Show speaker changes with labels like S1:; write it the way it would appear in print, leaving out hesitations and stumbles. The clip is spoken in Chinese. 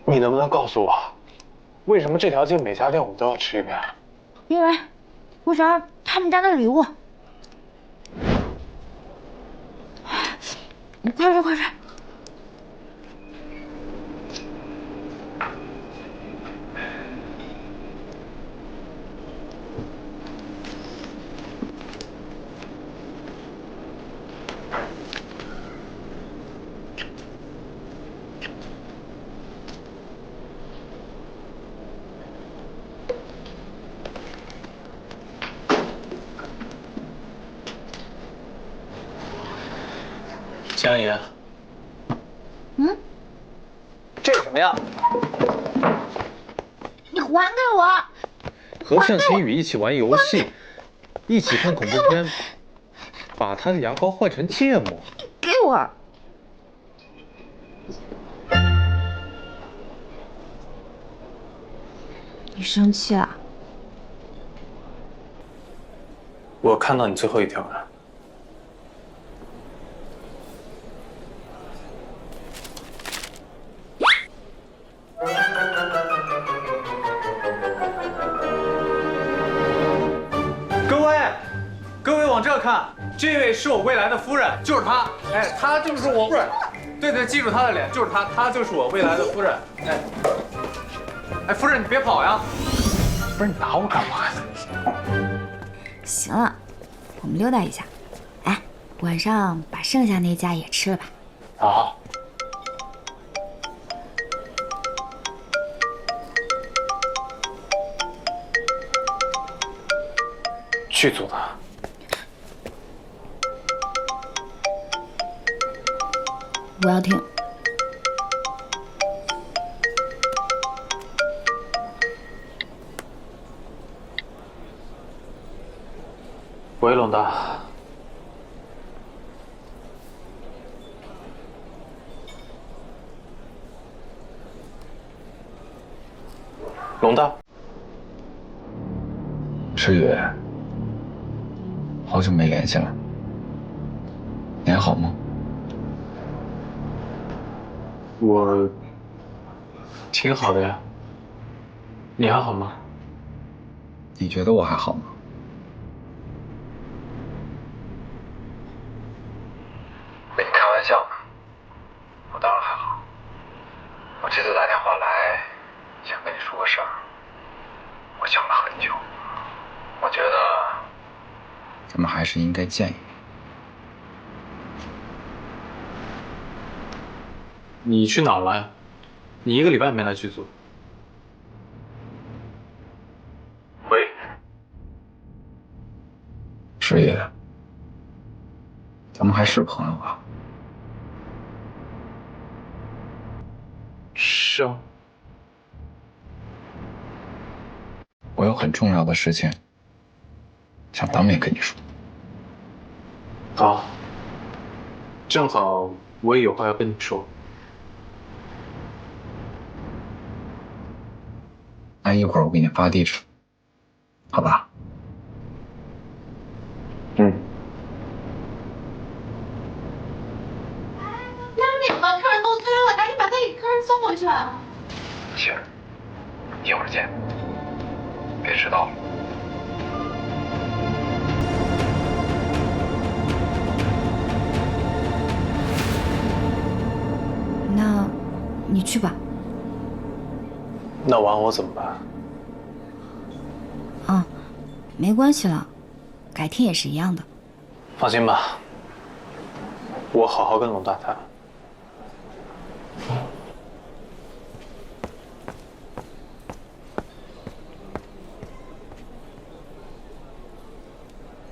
S1: 你能不能告诉我，为什么这条街每家店我都要吃一遍？
S2: 因为我想要他们家的礼物。你快睡，快睡。
S1: 江爷，
S3: 这什么呀？
S2: 你还给我！
S4: 和盛晴雨一起玩游戏，一起看恐怖片，把他的牙膏换成芥末。
S2: 给我！你生气了？
S1: 我看到你最后一条了。
S3: 各位往这看，这位是我未来的夫人，就是她。哎，她就是我夫人。对，记住她的脸，就是她，她就是我未来的夫人。哎，夫人你别跑呀！
S1: 不是你拿我干嘛呀？
S2: 行了，我们溜达一下。哎，晚上把剩下那家也吃了吧。
S1: 好。剧组呢？
S2: 我要听。
S1: 喂，龙大。龙大。
S5: 诗雨，好久没联系了，你还好吗？
S1: 我挺好的呀，你还好吗？
S5: 你觉得我还好吗？跟你开玩笑呢，我当然还好。我这次打电话来，想跟你说个事儿，我想了很久，我觉得咱们还是应该见一面。
S1: 你去哪儿了呀？你1个礼拜没来剧组。喂，
S5: 诗雨，咱们还是朋友吧？
S1: 是啊。
S5: 我有很重要的事情想当面跟你说。
S1: 好，正好我也有话要跟你说。
S5: 那一会儿我给你发地址，好吧？
S1: 嗯。
S6: 什么？客人都催了，赶紧把他给客人送回去。
S5: 行，一会儿见，别迟到了。
S2: 那，你去吧。
S1: 那晚我怎么办？
S2: 啊，没关系了，改天也是一样的。
S1: 放心吧，我好好跟龙大谈。